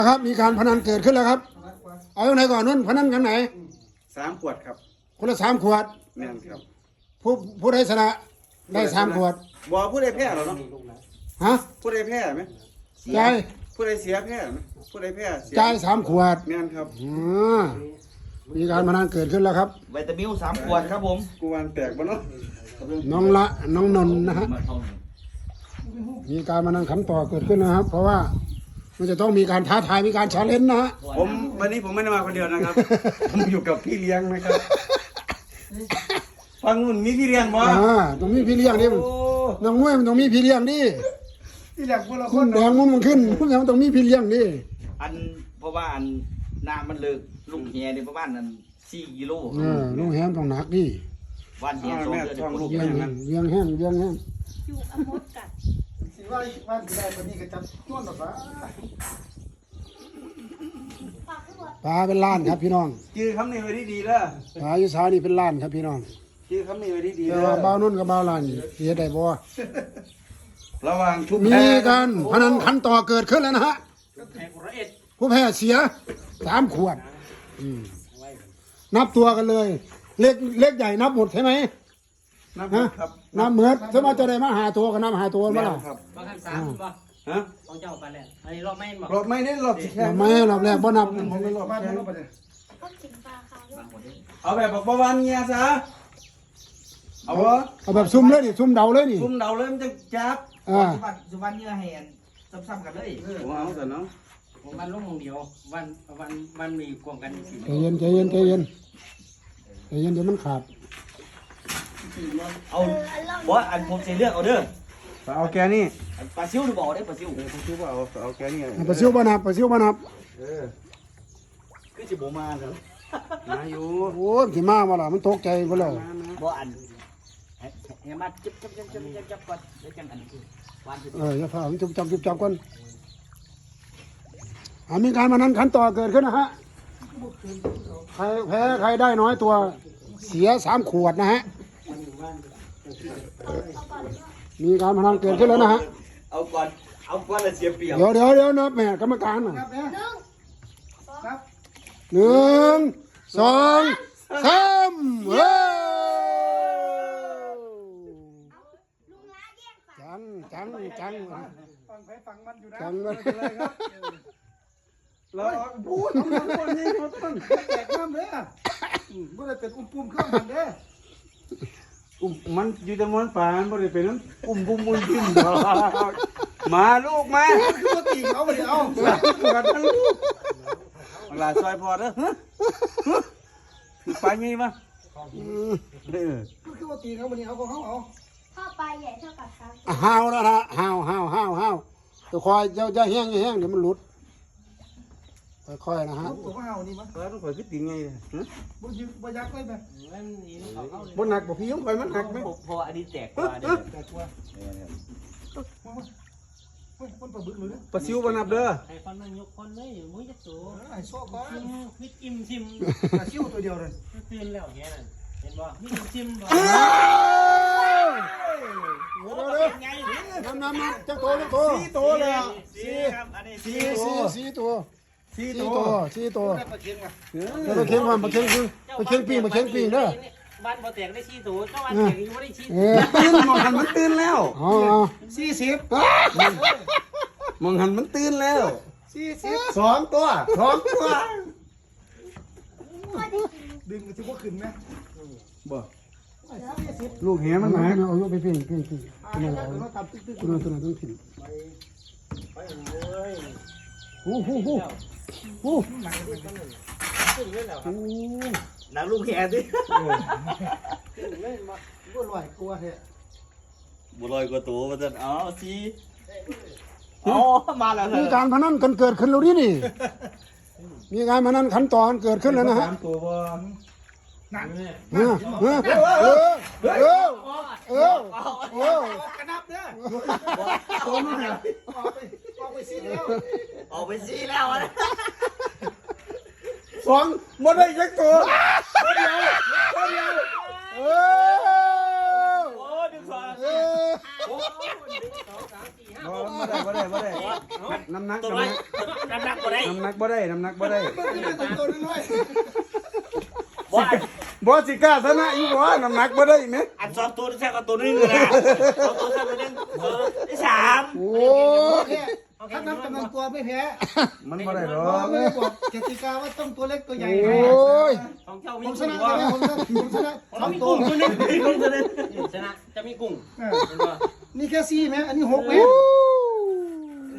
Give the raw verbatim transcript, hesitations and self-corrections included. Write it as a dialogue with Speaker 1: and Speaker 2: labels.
Speaker 1: ครับมีการพนันเกิดขึ้นแล้วครับเอาไหนก่อนนุ่นพนันกันไหน
Speaker 2: สามขวดครับ
Speaker 1: คนละสามขวด
Speaker 2: แม่นครับ
Speaker 1: ผู้ผู้ใดชนะได้สามขวด
Speaker 2: บ่ผู้ใดแพ้หรอเนาะ
Speaker 1: ฮะ
Speaker 2: ผู้ใดแพ้ไหม
Speaker 1: จ่าย
Speaker 2: ผู้ใดเสียแพ้ไหมผู้ใดแพ้
Speaker 1: จ่ายสามขวด
Speaker 2: แม่นครับ
Speaker 1: อืมมีการพนันเกิดขึ้นแล้วครับ
Speaker 3: วิตามินสามขวดครับผม
Speaker 2: กูวันแตกบ่เนาะ
Speaker 1: น้องละน้องนนท์นะฮะมีการพนันขันต่อเกิดขึ้นนะครับเพราะว่ามันจะต้องมีการท้าทายมีการชาเลนจ์นะฮะ
Speaker 2: ผมวันนี้ผมไม่ได้มาคนเดียวนะครับผมอยู่กับพี่เลี้ยงนะครับฟังนุ่นมีพี่เลี้ยงบ่
Speaker 1: อ่าต้องมีพี่เลี้ยงดิน้องมวยมันต้องมีพี่เลี้ยงดิ
Speaker 2: พี่เลี้ยงพวกเรา
Speaker 1: คนแดงมันมันขึ้นพวกนี้มันต้องมีพี่เลี้ยงดิ
Speaker 3: อันเพราะว่าอันน้ำมันเลิกลูกแหเนี่ยประมาณนั้นสี่กิโล
Speaker 1: เออลูกแหต้องหนักดิ
Speaker 3: วันแหสองเดือนช่องลูก
Speaker 1: เลี้ยงเลี้ยงแห้งเลี้ยงแห้ง
Speaker 4: อยู่อมดกัด
Speaker 2: สิว่าว่าได้ปานนี้ก็จับต้นหรอฟ้า
Speaker 1: ปลาเป็นล้านครับพี่น้อง
Speaker 2: ชื่อคำนี้ไว้ดีๆเด้อ
Speaker 1: ปลาอยู่สานี่เป็นล้านครับพี่น้อง
Speaker 2: ชื่อคำนี้ไว้ดีๆ
Speaker 1: เด้
Speaker 2: อ
Speaker 1: บ่าวนุ่นกับบ่าวล้านเสียได้บ่
Speaker 2: ระวังทุก
Speaker 1: มีกันพนันขันต่อเกิดขึ้นแล้วนะฮะผู้แพ้เสียสามขวดนับตัวกันเลยเล็กเล็กใหญ่นับหมดใช่ไหม
Speaker 2: นับครับ
Speaker 1: นับเหมือนสมมติจะได้มาหาตัวกันนับหาตัวมั้งล่ะ
Speaker 5: บางครั้งสามป่ะ
Speaker 2: ฮะ
Speaker 5: ของเจ้าไปแล้วอันนี้รอบไม่บอก
Speaker 2: รอบไม่เน้นรอบแค่
Speaker 1: ไม่รอบแรกบ่นับ
Speaker 2: ผมเป็นรอบบ้านรอบไปเลย
Speaker 4: ก็กินปลาค่ะ
Speaker 2: เอาแบบบอกประวันเงี้ยซะเอาวะ
Speaker 1: เอาแบบซุ่มเลยดิซุ่มเดาเลยดิ
Speaker 2: ซุ่มเดาเลยมันจะจับ
Speaker 1: อ่า
Speaker 3: สุวรรณเนี่ยแหนซ้ำๆกันเลย
Speaker 2: ว้าวแต่เนาะ
Speaker 5: ผมวันลงเดียววันวันวันมีกวงกันสี่
Speaker 1: ใจเย็นใจเย็นใจเย็นใจเย็นเดี๋ยวมันขาด
Speaker 3: เอาบ่อันผมจะเลือกเอาเด้อ
Speaker 2: เอาแกนี่
Speaker 3: ปลาซิวหรือบ่ได้ปลาซิว
Speaker 2: ปลาซิวเอาเอาแกนี่
Speaker 1: ปลาซิวบ้านับปลาซิวบ้านับ
Speaker 2: เออ
Speaker 3: คือจะบ่มาเนาะ
Speaker 2: มาอยู่
Speaker 1: โอ้ยขี่ม้ามาล่ะมันตกใจบ่แล้ว
Speaker 3: บ่อันเฮ้ยมาจับจับจับจับจับจับก่อนแล้วจังอันคือวัน
Speaker 1: เอออย่าพาผมจุบจับจุบจับก่อนอ่ามีการมานั้นขันต่อเกิดขึ้นนะฮะใครแพ้ใครได้น้อยตัวเสียสามขวดนะฮะมีการพนันเกิดขึ้นแล้วนะฮะ
Speaker 3: เอาก่อนเอาก่อนแล้วเสียเปรียบ
Speaker 1: เดี๋ยวเดี๋ยวเดี๋ยวนับแม่กรรมการน่ะหนึ่งสองสามเฮ้จังจังจัง
Speaker 2: ฟังไปฟังมันอยู่นะ
Speaker 1: จังเลย
Speaker 2: ครับเราพูดทำคนนี้คนต้นแตกน้ำเลยอ่ะไม่ได้เป็นอุ้มปุ่มเครื่องมันเด้อุ้มมันอยู่จำนวนป่านไม่ได้เป็นนั้นอุ้มปุ่มมุนจิ้มมาลูกมาคือว่าตีเขาไปเอากันทั้งลูกลาซอยพอเด้อคือไปไงมาเออคือว่าตีเขาไปเอาของเขาเอา
Speaker 4: ถ้าปลาใหญ่เท่ากับครับ
Speaker 1: ห้าวแล้วนะห้าวห้าวห้าวห้าวจะคอยจะจะแห้งจะแห้งเดี๋ยวมันหลุดค่อยๆนะฮะ
Speaker 2: ผมว่าเอานี่มั้งแล้วต้องคอยคิดยังไงฮะบนยึกบนยักษ์เลยไหมบนหนักบอกพี่ต้องคอยมันหนักไหม
Speaker 3: พออันนี้แตกกว่าเด้อแตกกว่า
Speaker 2: ปลาซิวบนนับเด้อ
Speaker 5: ไอ้คนมันยกคนเลยมึงจะสู
Speaker 2: ไอ้ชอบบ้า
Speaker 5: พิกอิ่มชิม
Speaker 2: ปลาซิวตัวเดียวเลย
Speaker 5: ตื่นแล้วแค่นั้นเห็นบ่พิกอิ่มชิมบ่
Speaker 1: น้ำน้ำน้ำจะโตจะโต
Speaker 2: สี่ตัวเลย
Speaker 3: สี่ครับอันนี้สี่
Speaker 1: สี่สี่ตัว
Speaker 2: สี่
Speaker 1: ตัวสี่ตัว
Speaker 2: ปลาเค็งอ่ะ
Speaker 1: ปลาเค็งมันปลาเค็งคือปลาเค็งปีปลาเค็งปีเด้อ
Speaker 5: บ้านบ่แตกได้สี่ตัวก็วันแตกอยู่บ่ได้สี่
Speaker 2: ตื่นมองหันมันตื่นแล้ว
Speaker 1: อ๋อ
Speaker 2: สี่สิบมองหันมันตื่นแล้วสี่สิบสองตัวสองตัวดึงมันจะว่าขึ้นไหมบ่ลูกแหมันหนา
Speaker 1: เอาลูกไปเพ่งเพ่งเพ่งตัวนั้นตัวนั้นตัวนั้นต้องผิดโอ้โหโอ้โห
Speaker 3: หนังลูกแหดิ
Speaker 2: บัวลอยกลัวเถอะ
Speaker 3: บัวลอยกลัวตัวมันจะอ๋อสิอ๋อมาแล้ว
Speaker 1: มีการพนันกันเกิดขึ้นแล้วนี่นี่มีการพนันขันต่อกันเกิดขึ้นแล้วนะฮะ
Speaker 2: ตัวบอล
Speaker 1: นั่นเออเออเออเออเออเออก
Speaker 2: ระนับเนี่ยตัวนู้นเหรอออกไปออกไปซีแล้ว
Speaker 3: ออกไปซีแล้วนะ
Speaker 2: สองหมดเลยยักตัวตัวเดียวตัวเดียว
Speaker 1: เออ
Speaker 3: โอ้ดึงสอง
Speaker 1: เออ
Speaker 2: บ่ได้บ่ได้บ่ได้น้ำหนัก
Speaker 3: ตัว
Speaker 2: น้ำห
Speaker 3: น้
Speaker 2: นัก
Speaker 3: น้ำหนักบ่ได้
Speaker 2: น้ำหนักบ่ได้น้ำหนักบ่ได้
Speaker 1: มันจะเป็นตัวน้อย
Speaker 3: บ่อัน
Speaker 2: บ่สิกล้าชนะอีกบ่น้ำหนักบ่ได้แม่
Speaker 3: อันสองตัวแท้ก็ตัวนึงเลยนะสองตัวแท้ตัวนึงเออที่สาม
Speaker 1: โอ้ย
Speaker 6: ถ้านับจำนวนตัวไม่แพ้
Speaker 2: มันบ่ได้หร
Speaker 6: เพ
Speaker 2: อ
Speaker 6: ราะ
Speaker 2: ก
Speaker 6: ไม่ได้บอกกติกาว่าต้องตัวเล็กตัวใหญ่
Speaker 1: โอ้ย
Speaker 5: ของเจ้า
Speaker 6: ผ
Speaker 5: มี
Speaker 6: มช
Speaker 5: กุ้ง
Speaker 6: นะ
Speaker 5: ว่า
Speaker 6: ผมชนะผมชนะส
Speaker 5: เรา
Speaker 6: อง
Speaker 5: มี
Speaker 6: ตัว
Speaker 5: กุ้งตัวนึง
Speaker 3: มีคนตัวนึง
Speaker 5: ชนะจะมีกุ้ง
Speaker 6: เออ
Speaker 5: เห็นป่ะ
Speaker 6: นี่แค่สี่ไหมอันนี้หกไหม
Speaker 1: โอ้